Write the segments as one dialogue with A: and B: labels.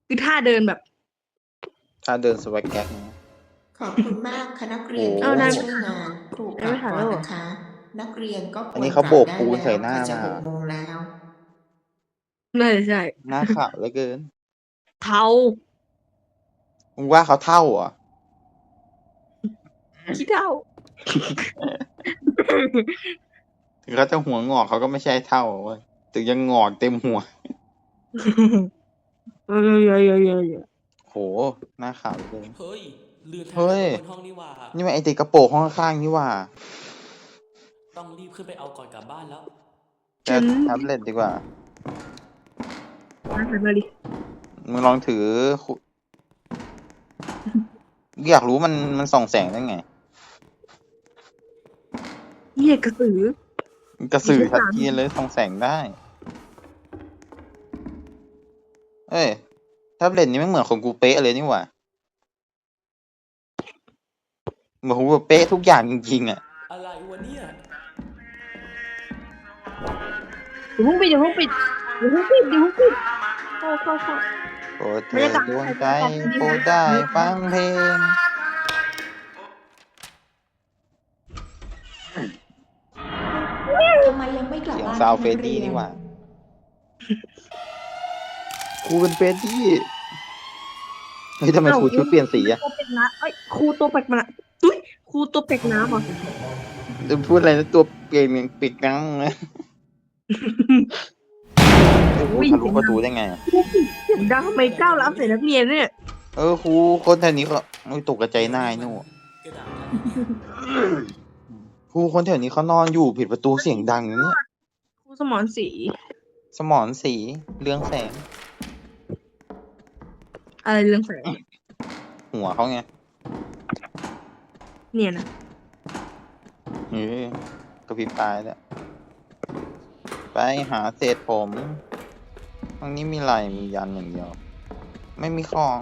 A: คือท่าเดินแบบ
B: ถ้าเดินสวักแก๊กนะ
C: ขอบคุณมากค่ะนักเรียน
B: โอ้
A: เอานาย
C: ช่วยงานครูกลับก่อนนะคะ นักเรียนก็ค
B: อัน
C: วร
B: นี้
C: ก
B: เขา
C: ลับ
B: โบก
C: ได้
B: ปูน
C: แล้ว
B: ใส่หน้า
C: ค่ะจะ
B: มา
C: 6 โมงแล้ว
A: น่าจะใช่
B: หน้าขาวเหลือเกิน
A: เทา
B: มึงว่าเขาเท่าเหรอ
A: ขี้เท่า
B: ถึงเขาจะหัวงอกเขาก็ไม่ใช่เท่าเว้ยถึงยังงอกเต็มหัว
A: เยอะ
B: โห หน้าขาวเหลือเกิน
D: เฮ้ย ลืมแท็บ
B: เฮ้
D: เล็ต
B: ย
D: ไว้บนห้องนี่หว่า
B: นี่มันไอติดกระโปรงห้องข้างๆนี่หว่า
D: ต้องรีบขึ้นไปเอาก่อนกลับบ้านแล้ว
B: จะแท็บเล็ตดีกว่า
A: มาดิ
B: มึงลองถือคุอยากรู้มันส่องแสงได้ไง
A: เหี้ยกระสือ
B: กระสือ
A: มี
B: ชัด
A: ชั้น
B: เจนเลยส่องแสงได้ เอ้ยแท็บเล็ตนี้ไม่เหมือนของกูเป๊ะเลยนี่หว่าเหมือนของกูเป๊ะทุกอย่างจริงๆอ่ะ
D: อะไรวะเนี่ย
A: อย่าเพิ่งปิดเข้า
B: โปรดเธอดวงใจโปรดได้ฟังเพลง
C: ทำไมยังไม่กลับ
B: เสียง
C: บ้าน
B: ซาว
C: คะ
B: เฟร
C: นั
B: ด
C: ก
B: ดี้
C: เรียน
B: นี่หว่าครูเป็นเฟรดดี้เฮ้ยทำไมครูชุดเปลี่ยนสีอะ
A: ตัวเป็ดน้ำเอ้ยครูตัวเป็ดน้ำตุ้ยครูตัวเป็ดน้ำเหรอ
B: พูดอะไรนะตัวเปลี่ยนปิดกังนะครูทะลุประตูได้ไงอะ
A: ครูปิดเสียงดังทำไมก้าวล้ำใส่นักเรียนเนี่ย
B: ครูคนแถวนี้เขาตกกระจายหน้าไอ้หนู่
D: กระดาษ
B: ครูคนแถวนี้เขานอนอยู่ผิดประตูเสียงดังอย่างเนี้ย
A: ครูสมอนสี
B: สมอนสีเรืองแสง
A: อะไรเรื่องแสง
B: หัวเขาไง
A: เนี่ยนะ
B: กระพริบตายแล้วไปหาเศษผมตรงนี้มีอะไรมียันอย่างเดียว ไม่มีของ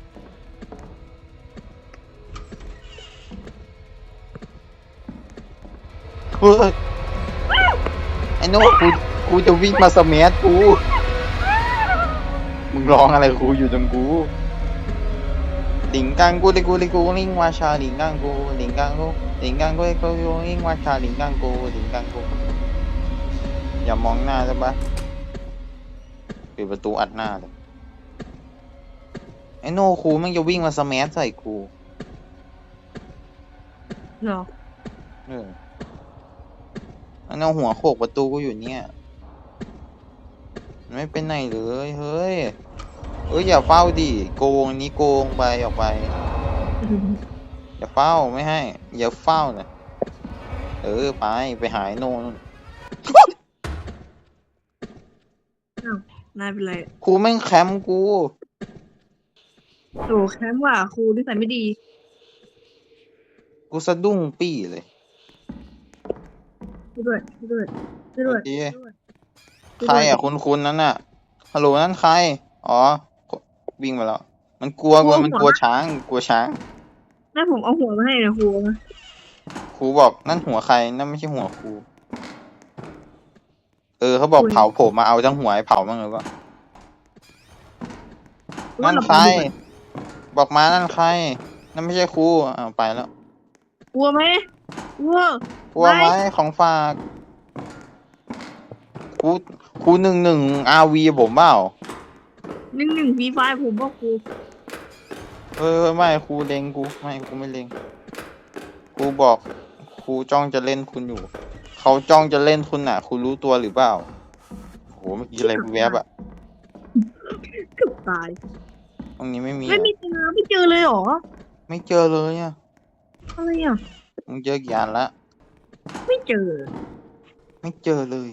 B: เฮ้ยไอ้โน้ตกูจะวิ่งมาสเมัยกูมึงร้องอะไรกูอยู่ตรงกูลิงกังกูลิงวาชาลิงกังกูลิงกังกูลิงกังกูลิงวาชาลิงกังกูลิงกังกูอย่ามองหน้าใช่ปะปิดประตูอัดหน้าเลยไอ้โน่ครูมันจะวิ่งมาสแมัใส่กู
A: เหรอ
B: มันเอาหัวโขกประตูกูอยู่เนี่ยมันไม่เป็นไหนเลยเฮ้ยอย่าเฝ้าดิโกงนี้โกงไปออกไปอย่าเฝ้าไม่ให้อย่าเฝ้านะไปหายโน่น
A: นายเป็นไร
B: ครูแม่งแคมป์กู
A: โอ้แคมป์ว่าครูนิสัยไม่ดี
B: กูสะดุ้งปี้เลย
A: ช่วยด้วย
B: ใครอ่ะคุณนั้นน่ะฮัลโหลนั่นใครอ๋อวิ่งมาแล้วมันกลัวมันกลัวช้าง
A: แม่ผมเอาหัวมาให้นะครูนะ
B: ครูบอกนั่นหัวใครนั่นไม่ใช่หัวครูเขาบอกเผาผมมาเอาทั้งหัวให้เผามั่งหรือเปล่านั่นใครบอกมานั่นใครนั่นไม่ใช่ครูไปแล้ว
A: กลัวไหมกลัว
B: กลัวไหมของฝากครู11 RV ผมเปล่า
A: 1 V5 ผมว่าครู
B: ไม่ครูเล็งกูไม่ครูไม่เล็งครูบอกครูจ้องจะเล่นคุณอยู่เขาจ้องจะเล่นคุณน่ะคุณรู้ตัวหรือเปล่าโหเมื่อกี้อะไรแวบอะ
A: เกือบตาย
B: ตรงนี้ไม่มี
A: ไม่เจอเลยเหรอ
B: ไม่เจอเลยอะ
A: อะไรอ่ะ
B: มึงเจอกี่อันละ
A: ไม่เจอ
B: ไม่เจอเลย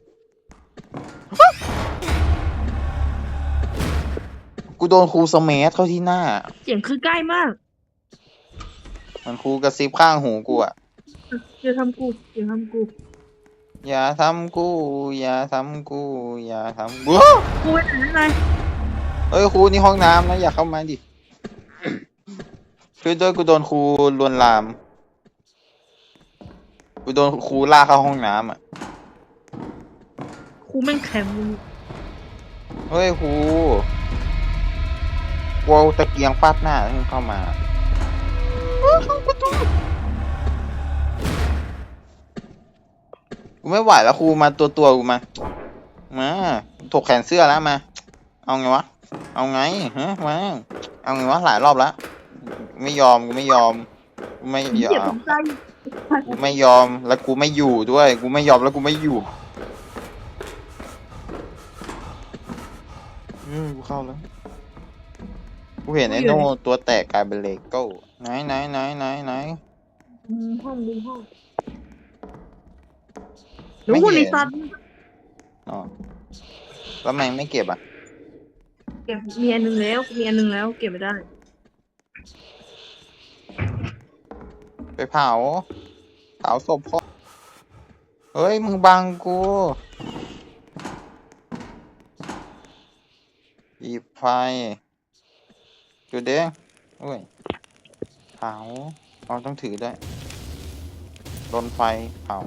B: กูโดนครูสเมัยเข้าที่หน้า
A: เสียงคือใกล้มาก
B: มันครูกระซิบข้างหูกูอะ
A: อย่าทำกู
B: อย่าทำกูอย่าทำกูอย่าทำ
A: ครูไปไหนนาย
B: ครูนี่ห้องน้ำนะอย่าเข้ามาดิช่วยด้วยกูโดนครูลวนลามกูโดนครูลากเข้าห้องน้ำอ่ะ
A: ครูแม่งแข็ง
B: เฮ้ยครูกูเอาตะเกียงฟาดหน้าให้มึงเข้ามากูไม่ไหวแล้วครูมาตัวกูมาถกแขนเสื้อแล้วมาเอาไงวะเอาไงฮะมาเอาไงวะหลายรอบแล้วไม่ยอมกูไม่ยอมกูไม่ย
A: เหยียบ
B: อ
A: ผม มใจ
B: กูไม่ยอมแล้วกูไม่อยู่ด้วยกูไม่ยอมแล้วกูไม่อยู่กูเข้าแล้วกูเห็นไอ้โน่ตัวแตกกลายเป็นเลโก้ไหน
A: ห้องดูห้องรู้คนในซัน
B: อ๋อแล้วแมงไม่เก็บอ่ะ
A: เก็บมีอันหนึงแล้วมีอันหนึงแล้วเก็บไม่ได้
B: ไปเผาศพพ่อเฮ้ยมึงบังกูหยิบไฟจุดเด้งโอ้ยเผาเราต้องถือด้วยรนไฟเผา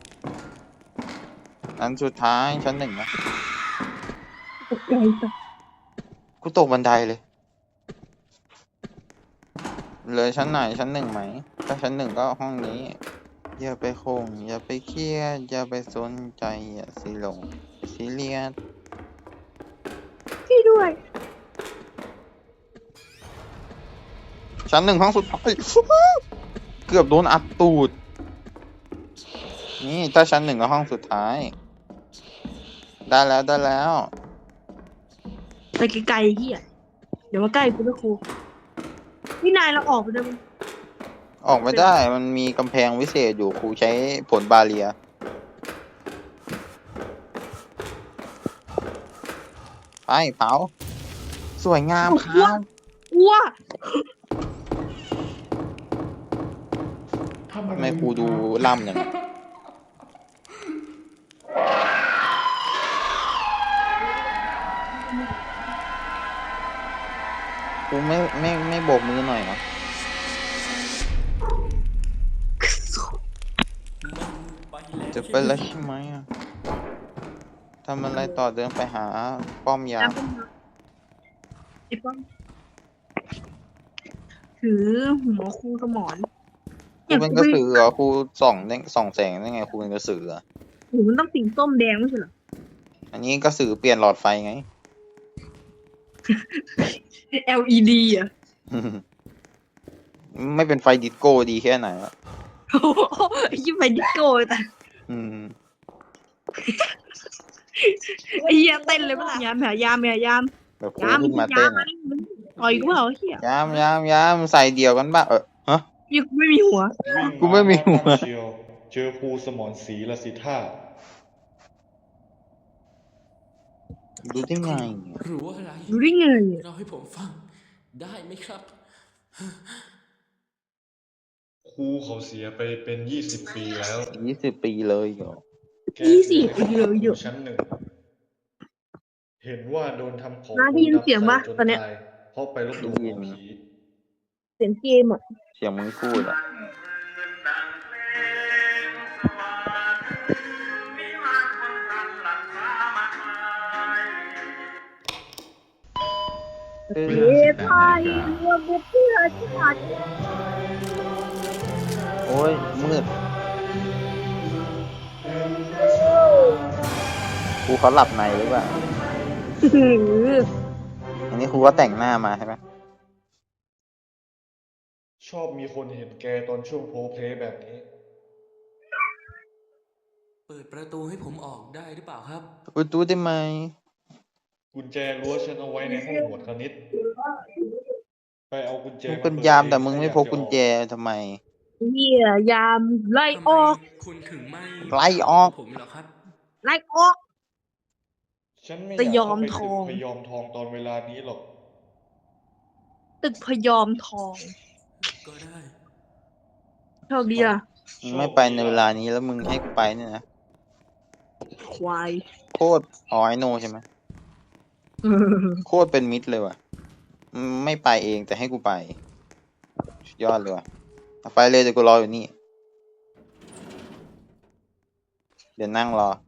B: อันสุดท้ายชั้นหนึ่งนะ
A: ตกใจสัส
B: กูตกบันไดเลยเลยชั้นไหนชั้นหนึ่งไหมถ้าชั้นหนึ่งก็ห้องนี้อย่าไปคงอย่าไปเครียดอย่าไปสนใจอย่าซีลงซีเรียส
A: ช่วยด้วย
B: ชั้นหนึ่งห้องสุดท้าย เกือบโดนอัดตูดนี่ถ้าชั้นหนึ่งก็ห้องสุดท้าย ได้แล้ว
A: ไปไกลๆเฮียเดี๋ยวมาใกล้กูนะครูพี่นายเราออกไปได้ไหม
B: ออกไม่ได้มันมีกำแพงวิเศษอยู่ครูใช้ผลบาเรียไปเผาสวยงามครับ
A: อ้ว
B: ทำไมครูดูล่ำอย่างนั้นครูไม่โบกมือหน่อยเหรอ
D: มันไปแล้ว
B: จะไปแล้วใช่ไหมอะทำอะไรต่อเดินไปหาป้อมยาม
A: ไอ้ป้อมถือหัวครูสมอน
B: ครูเป็นกระสือเหรอครูส่องแสงได้ไงครูเป็นกระสือเหรอ
A: หูมันต้องสีส้มแดงไม่ใช่เหรอ
B: อันนี้กระสือเปลี่ยนหลอดไฟไง
A: LED อ่ะ
B: ไม่เป็นไฟดิสโก้ดีแค่ไหนวะ
A: โอ้โหยิ่งไปดิสโก้แต่
B: อืม
A: ไอ้เหี้ยเต้นเลยปะล่ะยามยาม
B: แบบครูขึ้นมาเต้นอะ
A: ต่อยกูเปล่าเหี้ย
B: ยามใส่เดี่ยวกันบ้างฮะ
A: ยังไม่มีหัว
B: กูไม่มีหัว
E: เชียวเจอครูสมรศรีละสิท่า
B: ดูได้ไง
D: รู้อะไร
A: ดูได้ไง
D: เราให้ผมฟัง ได้ไหมครับ
E: ครูเขาเสียไปเป็น20 ปีแล้ว
B: 20 ปีเลยเหรอ
E: แก
A: 20 ปีเลยเหรอ
E: ชั้นหนึ่ง เห็นว่าโดนทำของ
A: น้าได้ยินเสียงปะ
E: จน
A: ตอนเนี้ย
E: ตายเพราะไปลบหลู่หมอผี
A: เสียงเกมอ่ะ
B: เสียงมึงพูดอะเอ
A: เฮ้
B: อย
A: ไทยรวมเพื่อชาติ
B: โอ้ยมืดครูเขาหลับในหรือเปล่า อันนี้ครูก็แต่งหน้ามาใช่ไหม
E: ชอบมีคนเห็นแกตอนช่วงโพลเพลย์แบบนี้
D: เปิดประตูให้ผมออกได้หรือเปล่าครับ
B: อุดตู้ได้ไหม
E: กุญแจรั้วฉันเอาไว้ในห้องหมวดคณิต ไปเอากุญแจ
B: มึง
E: มา
B: เป็น
E: ปิด
B: ยาม
E: เอง
B: แต่มึงไม่พก
E: ถ้าอยา
B: กุญแจ
E: จะออ
B: ทำไม
A: เหี้ยยามไล่ออก
D: ทำไมคุณถึงไม่
B: ไล่ออก
D: ผมเหรอครับ
A: ไล่ออก
E: ฉันไม่
A: แต่
E: อยาก
A: ยอม
E: เข้าไป
A: ทอง
E: พยอมทองตอนเวลานี้หรอก
A: ตึกพยอมทอง
D: ก็ได้
A: โชคดีอ่ะ
B: มึงไม่ไปในเวลานี้แล้วมึงให้กูไปเนี่ยนะ
A: ควาย
B: โคตรอ๋อไอโนใช่ไหมโคตรเป็นมิตรเลยว่ะไม่ไปเองแต่ให้กูไปสุดยอดเลยว่ะเอาไปเลยเดี๋ยวกูรออยู่นี่ เดี๋ยวนั่งรอ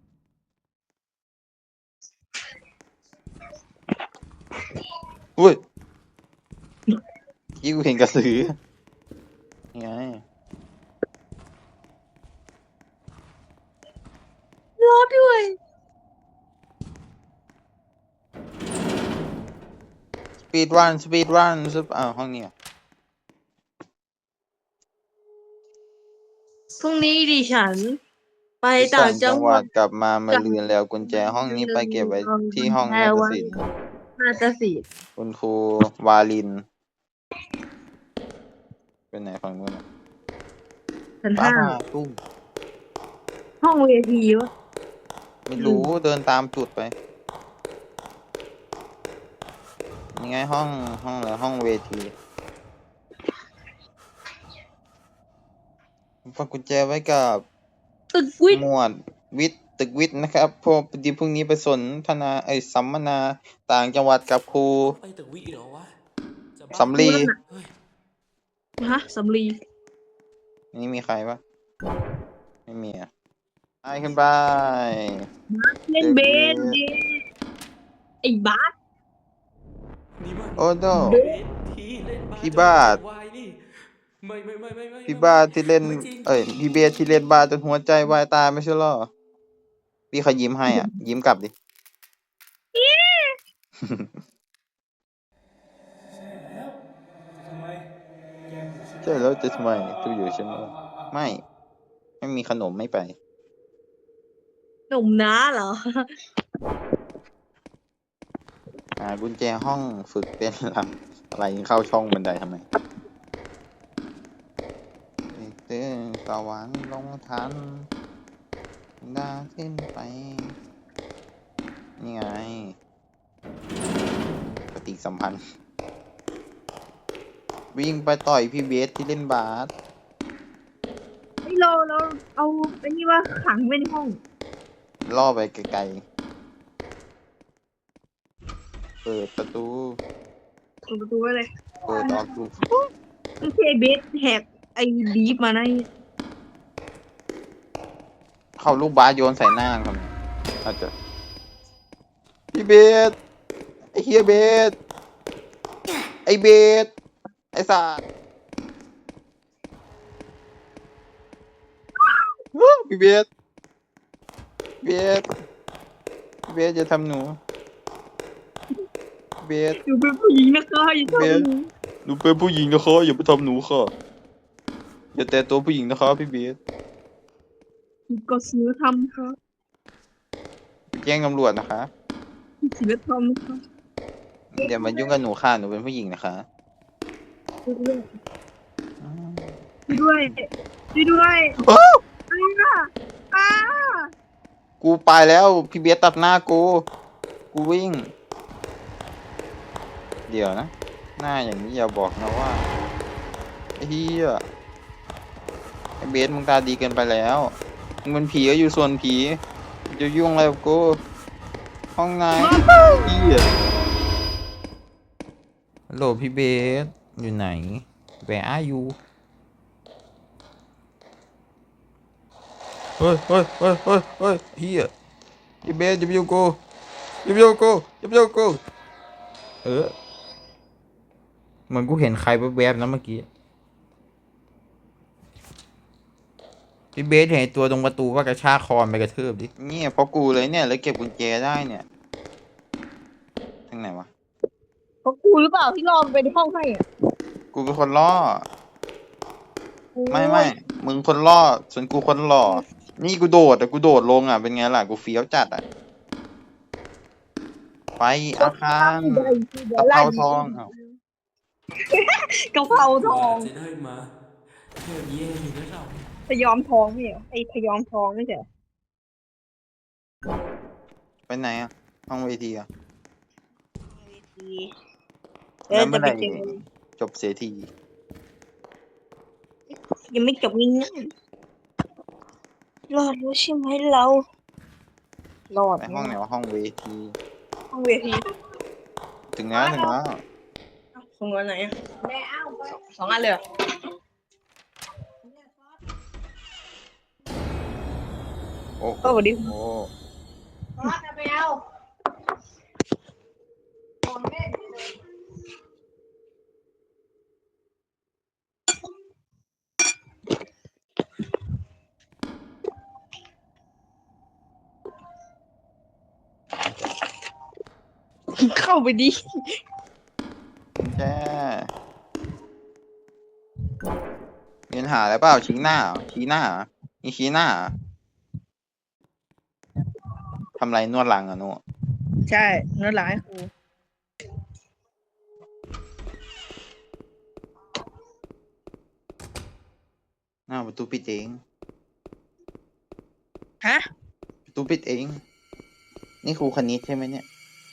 B: อุ้ยที่กูเห็นกระสือนี่ไง
A: รอด้วย
B: สปีดรันห้องนี้อะ
A: พรุ่งนี้ดิฉัน ไป
B: ไป
A: ต่างจังหวัด
B: กลับมาลืนแล้วกุญแจห้องนี้ไปเก็บไว้ที่ห้องนาฏศิลป์
A: นาฏศิลป์
B: คุณครูวาลิน เป็นไหนฝั่งนู้นอะ
A: ชั้น
B: ป้า
A: ห้า
B: ตุ้ม
A: ห้องเวทีวะ
B: ไม่รู้เดินตามจุดไปนี่ไงห้องอะไรห้องเวทีฝากกุญแจไว้กับ
A: ตึกวิท
B: ห
A: ย์
B: มวดตึกวิทย์นะครับพอดีพรุ่งนี้ไปสนทนาสัมมนาต่างจังหวัดกับครู
D: ไปตึกวิเหรอวะจะบ้า
B: สำลี
D: เฮ้ย
A: ฮะสำลี
B: นี่มีใครปะไม่มีอ่ะไปขึ้นไป
A: เล่นเบสเย้ไอ้บาส
D: นี่มัน
B: โอ้โด
A: เบส
D: ที่เล่น
B: พี่บาส
D: วายนี่ไม่
B: พี่บ้าที่เล่น
D: ไม่จริง
B: พี่เบสที่เล่นบาสจนหัวใจวายตายไม่ใช่เหรอพี่เขายิ้มให้อ่ะ ยิ้มกลับดิ ใช่แล้วจะทำไมตู้อยู่ใช่ไหมไม่มีขนมไม่ไป
A: หนุ่มน้าเหรอ
B: กุญแจห้องฝึกเต้นรำอะไรเข้าช่องบันไดทำไมเต้นสวรรค์ลงทันดาขึ้นไป นี่ไงปฏิสัมพันธ์ วิ่งไปต่อยพี่เบสที่เล่นบาส
A: ไอ้เราเอาไอ้นี่ว่าขังไว้ในห้อง
B: ล่อไปไกลๆ เปิดประตู
A: เปิดประตูไว้เลย
B: เปิดออกดู
A: ไม่ใช่เบสแหกไอ้ดีฟมานะ
B: เข้าลูกบาสโยนใส่หน้าทำไมอาจจะพี่เบสไอ้เฮียเบสไอ้เบสไอ้สัสพี่เบสพี่เบสอย่าทำหนูเบส
A: อยู่เป็นผู้หญิงนะคะอย่าทำหนู
B: หนูเป็นผู้หญิงนะคะอย่าไปทำหนูค่ะอย่าแตะตัวผู้หญิงนะคะพี่เบส
A: ก็ศีลธรรมครับ
B: ไปแจ้งตำรวจนะคะ
A: ศีลธรรมครับ
B: อย่ามายุ่งกับหนูค่ะหนูเป็นผู้หญิงนะคะ
A: ช่วยด้วยช่วยด้วยอะไรนะอ้า
B: กูไปแล้วพี่เบสตัดหน้ากูวิ่ง เดี๋ยวนะ หน้าอย่างนี้อย่าบอกนะว่าไอ้เหี้ยไอ้เบสมึงตาดีเกินไปแล้วมึงเป็นผีก็อยู่ส่วนผีจะยุ่งอะไรกับกูห้องไหนเหี้ยฮัลโหลพี่เบสอยู่ไหน Where are you เฮ้ยเฮียพี่เบสอย่าไปยุ่งกูเหมือนกูเห็นใครแวบๆนะเมื่อกี้พี่เบสเห็นตัวตรงประตูว่ากระชากคอไปกระทืบดิเนี่ยเพราะกูเลยเนี่ยเลยเก็บกุญแจได้เนี่ยทางไหนวะ
A: เพราะกูหรือเปล่าที่รอมันไปในห้องให้อ่ะ
B: กูเป็นคนล่อไม่มึงคนล่อส่วนกูคนหล่อนี่กูโดดแต่กูโดดลงอ่ะเป็นไงล่ะกูเฟี้ยวจัดอ่ะไปอาคารตะเภาทองอ้าว
A: กะเพราทอง
D: จะได้มาเที่ยวเย่อยู่นะเรา
A: พยอมทองไม่เหรอไอ้พยอมทองไม่ใช่เหรอ
B: ไปไหนอ่ะห้องเวทีอ่ะ
A: แล้ว
B: เมื่
A: จะ
B: อ
A: ไป
B: ไหร่
A: เจอ
B: จบเสียที
A: ยังไม่จบง่ายๆรอดรู้ใช่ไหมเรารอด
B: ไปห้องไหนวะห้องเวที
A: ห้องเวที
B: ถึงแล้ว
A: ส่งเงินไหนอ่ะสองอันเลยเหรอ
B: โอ้
A: สวัสดี
B: โอ้
A: เข้าไปดิ
B: แช่มีปัญหาอะไรเปล่าชี้หน้าเหรอชี้หน้าเหรอนี่ชี้หน้าเหรอทำไรนวดหลังเหรอ่ะโน่
A: ใช่นวดหลังให้ครู
B: หน้าประตูปิดเอง
A: ฮะ
B: ประตูปิดเอง นี่ครูคณิตใช่ไหมเนี่ย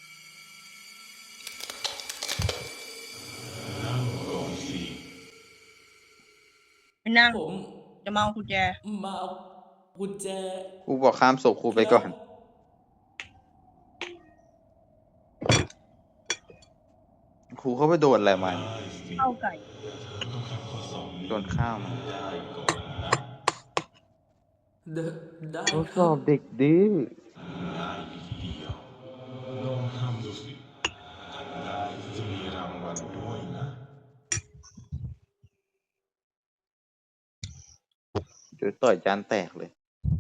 A: ไม่นั่ง
D: ผม
A: จะมาเอากุญแจ
D: มาเอากุญแจ
B: ครูบอกข้ามศพครูไปก่อน ครูเขาไปโดนอะไรมาเนี่ย
A: เข้าไก่
B: โดนข้าวมา
D: เดอะได้
B: ทด
D: ค
B: ส
D: รั
B: อ
D: บบ
B: เด็กดื้อเดี๋ยวต่อยจานแตกเลย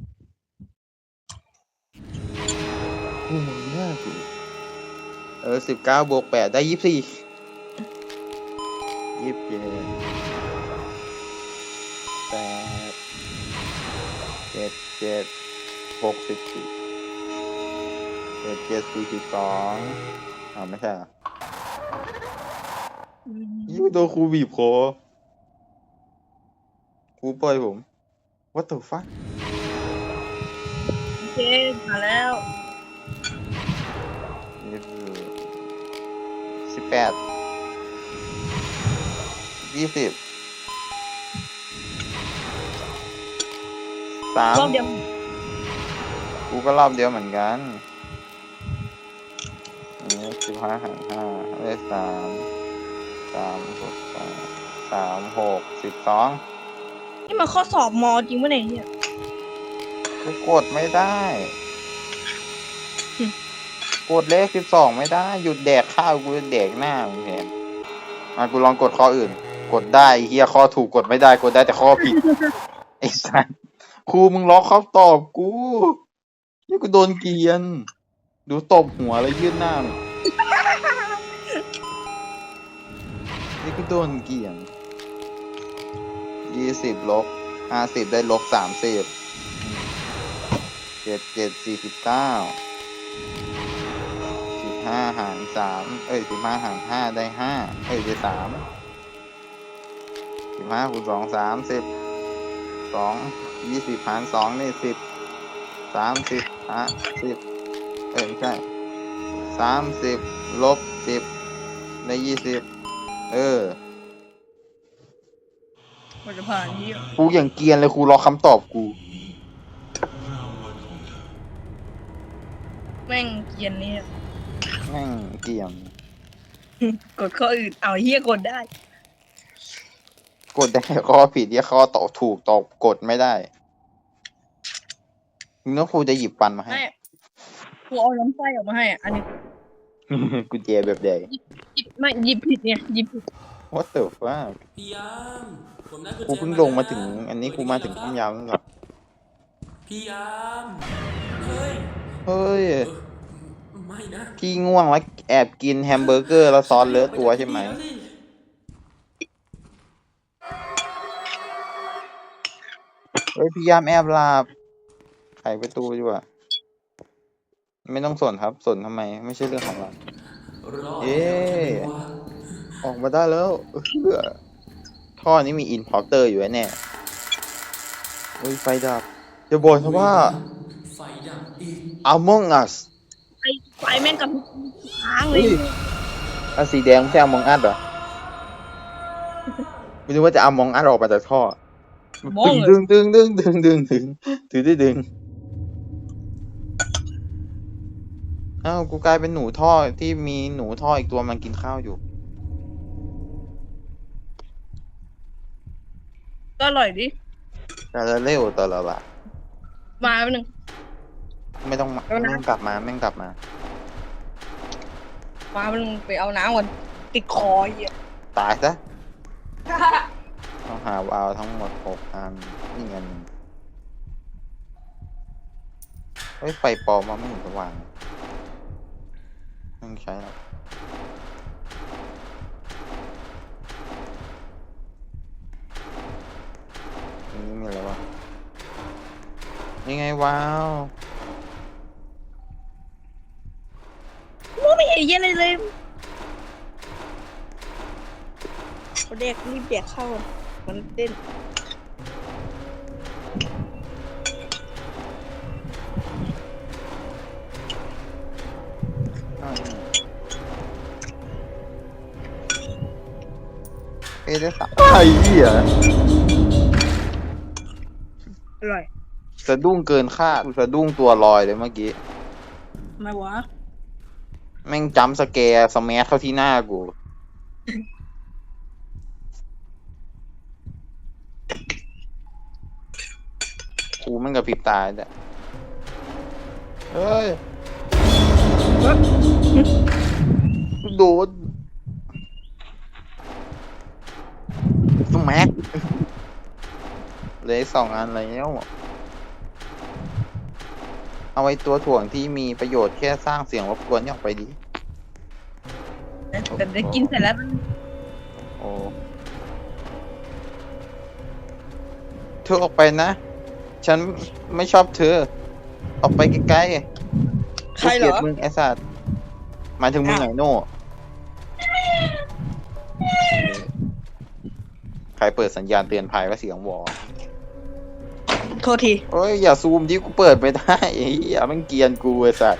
B: โอ้โหน่ากู19+8ได้24 27 8 7 7 64 77 42ไม่ใช่เหรอยิ่งโดนครูบีบคอครูปล่อยผม What the fuck
A: โอเคมาแล้ว
B: นี่คือ18 20
A: รอบเดียว
B: กูก็รอบเดียวเหมือนกันอันนี้15 หาร 5ได้12
A: นี่มันข้อสอบมอจริงปะเนี่ย
B: กูกดไม่ได้ กดเลข12ไม่ได้ หยุดแดกข้าวกูจะแดกหน้ามึงเห็นกูลองกดข้ออื่น กดได้เฮียข้อถูกกดไม่ได้กดได้แต่ข้อผิด ไอ้สัสครูมึงล็อกเขาตอบกูนี่กูโดนเกลียน ดูตบหัวแล้วยื่นหน้ามึงนี่กูโดนเกลียน20 ลบ 50ได้ลบ 30 7 7 49 15 หาร 315 หาร 5ได้5ได้3 15 คูณ 2 30 2 20 หาร 2ได้10 30 50ไม่ใช่30 ลบ 10ได้20
A: มันจะผ่านที่
B: กูอย่างเกรียนเลยครูรอคำตอบกู
A: แม่งเกรียนเนี่ย
B: แม่งเกรียน
A: กดข้ออื่น เอาเฮียกดได้
B: กดได้ข้อผิดที่ข้อตอบถูกตอบกดไม่ได้มึงว่าครูจะหยิบปันมาให้
A: ไม่ครูเอาลำไส้ออกมาให้อ่ะ อันนี้
B: กุญแจแบบใด
A: หยิบไม่หยิบผิดเนี่ยหยิบผิด
B: What the fuck
D: พี่ยามผมได้กุญแจ
B: กูเพิ่งลงมาถึง อันนี้กูมาถึงป้อมยามแล้วครับ
D: พี่ยามเฮ้ย
B: เฮ้ย
D: ไม่นะ
B: พี่ง่วงแล้วแอบกินแฮมเบอร์เกอร์แล้วซอสเลอะตัวใช่ไหม เฮ้ยพี่ยามแอบหลับไขประตูดีกว่าไม่ต้องสนครับ สนทำไม ไม่ใช่เรื่องของเรา
D: รอ
B: เอ๊ะ
D: ใช่ไหมวะ
B: ออกมาได้แล้วท่อนี้มีอินพอร์เตอร์อยู่แน่เฮ้ยไฟดับจะบอกนะว่า
D: ไฟดับอีก
B: Among Us
A: ไฟแม่งกับค้างเลย
B: เฮ้ย อันสีแดงไม่ใช่ Among Us เหรอไม่รู้ว่าจะ Among Us ออกมาจากท่อ
A: มองเลย
B: ถือได้ดึงอ้าวกูกลายเป็นหนูท่อที่มีหนูท่ออีกตัวมันกินข้าวอยู่
A: ก็อร่อยดิ
B: แต่ละเร็วแต่ละละ
A: มาแป๊บนึง
B: ไม่ต้องกลับมาแม่งกลับมา
A: มาแป๊บนึงไปเอาน้ำก่อนติดคอเหี้ย
B: ตายซะ ต้องหาวาล์วทั้งหมด6 อันนี่อันหนึ่งเฮ้ยไฟปลอมมาไม่เห็นสว่างต้องใช้แล้วนี่มีอะไรวะนี่ไงว้าว
A: ไม่เห็นเหี้ยอะไรเลยเด็กรีบเด็กเข้ามันเต้น
B: เอเดสไอ้เหี้ย
A: อร่อย
B: สะดุ้งเกินคาดกูสะดุ้งตัวลอยเลยเมื่อกี้
A: มาวะ
B: แม่งจัมป์สแกร์สแมัเข้าที่หน้ากูกูแม่งกับพริบตาเนี่ยเฮ้ยโดนสแมักเหลย2 อันแล้วเอาไว้ตัวถ่วงที่มีประโยชน์แค่สร้างเสียงรบกวนนี่ออกไปดี
A: แต่ได้กินเสร็จแล้วมัน
B: โอ้เธอออกไปนะ ฉันไม่ชอบเธอ ออกไปไกลๆ
A: ใครเหรอ
B: กูเกลียดมึงไอ้สัตว์หมายถึงมึงไหนโน่ใครเปิดสัญญาณเตือนภัยว่าเสียงวอ
A: โทษที
B: เอ้ยอย่าซูมดิกูเปิดไม่ได้ไอ้เหี้ยมันเกรียนกูไอ้สัตว์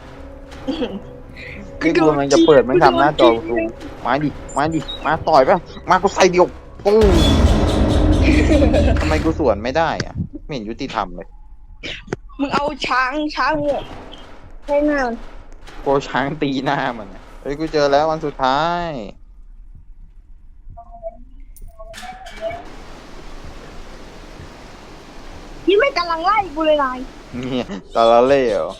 B: คือกูมันจะเปิดไม่ทำหน้าจอซูมมาดิมาต่อยป่ะมากูใส่เดียวปุ้งทำไมกูสวนไม่ได้อ่ะไม่เห็นยุติธรรมเลย
A: มึงเอาช้างเนี่ยให้หน้ามัน
B: โกช้างตีหน้ามันอะเฮ้ยกูเจอแล้ววันสุดท้าย
A: ยี่ไม่กำลังไล่กูเลยนาย
B: นี่ตาละเล่เหรอ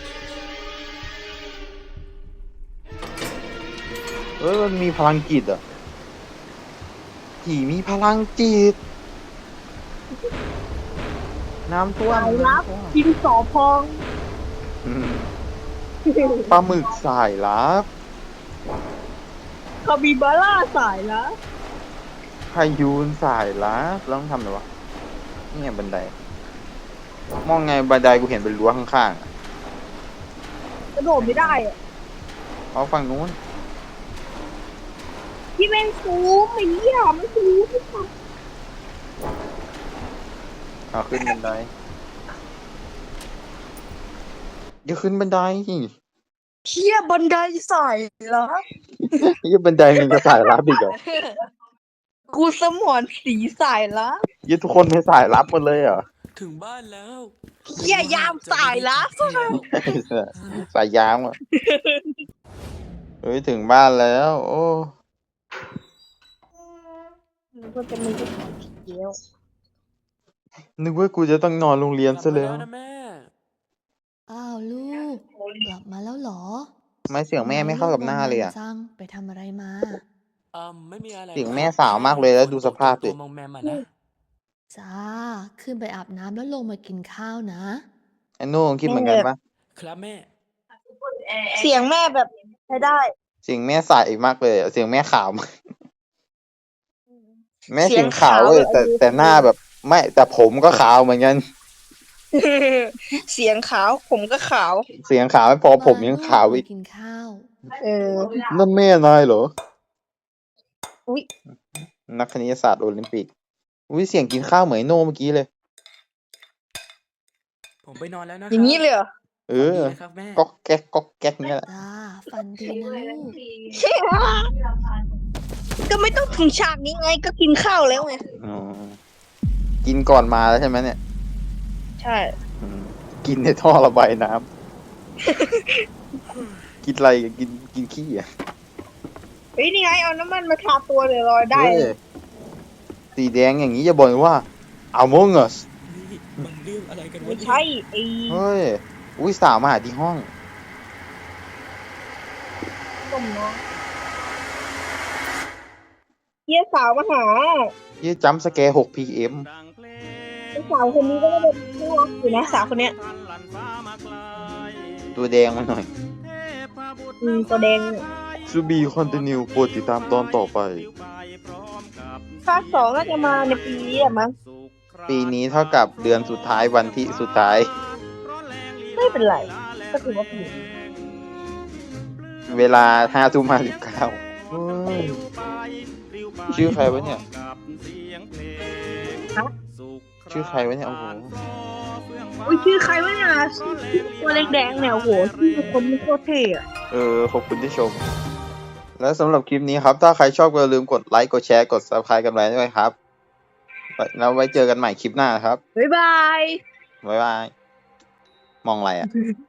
B: เอ้ยมันมีพลังจิตอ่ะผีมีพลังจิตน้ำท่วม
A: สายลับกินสอพอง
B: อืมปลาหมึกสายลับ
A: คาบิบาร่าสายลับ
B: พายุนสายลับแล้วต้องทำอะไรวะนี่ไงบันไดมองไงบันไดกูเห็นเป็นรั้วข้างๆอะ
A: กระโดดไม่ได้อะ
B: เอาฝั่งนู้น
A: ที่แม่งซูมไอ้เหี้ยมันซูมที่สุด
B: เอาขึ้นบันไดอย่าขึ้นบันได
A: เหี้ยบันไดสายลับ
B: ยี่บันไดมันจะสายลับอีกเหรอ
A: กูสมอนสีสายลับ
B: ยี่ทุกคนเป็นสายลับหมดเลยเหรอ
D: ถึงบ้านแล้ว
A: เหี้ยยามสายลับ
B: สายยามอ่ะเฮ้ยถึงบ้านแล้ว โอ้
A: มันก็จะมีที่ของเดียว
B: นึกว่ากูจะต้องนอนโรงเรียนซะแล้ว
D: กลับมานะแม่
F: อ้าวลูก กลับมาแล้วเหรอ
B: ทำไมเสียงแม่ไม่เข้ากับหน้าเลยอ่ะ
F: จังไปทำอะไรมา
D: ไม่มีอะไร
B: เสียงแม่สาวมากเลยแล้วดูสภาพดิ
D: ตัวมองแมมอะนะ
F: จ้า ขึ้นไปอาบน้ำแล้วลงมากินข้าวนะ
B: ไอ้โน่คิดเหมือนกันปะ
D: ครับแม่
A: เสียงแม่แบบใช้ได้
B: เสียงแม่สายอีกมากเลยอะเสียงแม่ขาวมากแม่
A: เสี
B: เสี
A: ย
B: ย
A: ง
B: งขาว
A: ขาว
B: เลย
A: แบบ
B: แต่หน้าแบบไม่แต่ผมก็ขาวเหมือนกัน
A: เสียงขาวผมก็ขาว
B: เสียงขาวไม่พอผมยังขาวอีก
F: กินข้าว
A: เออ
B: นั่นแม่นายเหรอ
A: อุ๊ย
B: นักคณิตศาสตร์โอลิมปิก อุ้ยเสียงกินข้าวเหมือนไอ้โน่เมื่อกี้เลย
D: ผมไปนอนแล้วนะ
A: อย่างนี้เลยเหรอ
B: เออ
D: ฝันดีนะครับแม่
B: ก๊อกแก๊กก๊อกแก๊กเนี่ยแหละ
F: จ้า ฟันดีนะลูก
A: ก็ไม่ต้องถึงฉากนี้ไงก็กินข้าวแล้วไง
B: อ๋อกินก่อนมาแล้วใช่ไหมเนี่ย
A: ใช่
B: อืมกินในท่อระบายน้ำ กินอะไรกันกินขี้อ่ะ
A: เฮ้ยนี่ไงเอาน้ำมันมาทาตัวเลยรอยได้
B: เฮ้ยสีแดงอย่างนี้อย่าบอกว่า Among Us
D: นี่มันเรื่องอะไรกันวะ
A: ไม่
D: เนี่ย
A: ใช่ไอ้
B: เฮ้ย อุ้ยสาวมาหาที่ห้อง
A: ต้มเนาะเฮียสาวมาหา
B: ยี่จัมป์สแกร์ 6 PM
A: ไอ้สาวคนนี้ก็ไม่ได้น่ารักอยู่นะสาวคนเนี้ย
B: ตัวแดงมาหน่อย
A: ตัวแดงเนี่ย
B: ซูบีคอนติเนียโปรดติดตามตอนต่อไป
A: ภาคสองน่าจะมาในปีนี้อะมั้ง
B: ปีนี้เท่ากับเดือนสุดท้ายวันที่สุดท้าย
A: ไม่เป็นไรก็ถือว่าผิด
B: เวลา5:59ชื่อใครวะเนี่ย ชื่อใครวะเนี่ยโอ้โห
A: อุ้ยชื่อใครวะเนี่ยชื่อตัวแดงๆเนี่ยโอ้โหชื่อคนมันโคตรเท่อะ
B: ขอบคุณที่ชม และสำหรับคลิปนี้ครับ ถ้าใครชอบก็อย่าลืมกดไลค์ กดแชร์ กด Subscribe กันไว้ด้วยครับ แล้วไว้เจอกันใหม่คลิปหน้าครับ
A: บ๊ายบาย
B: บ๊ายบาย มองอะไรอ่ะ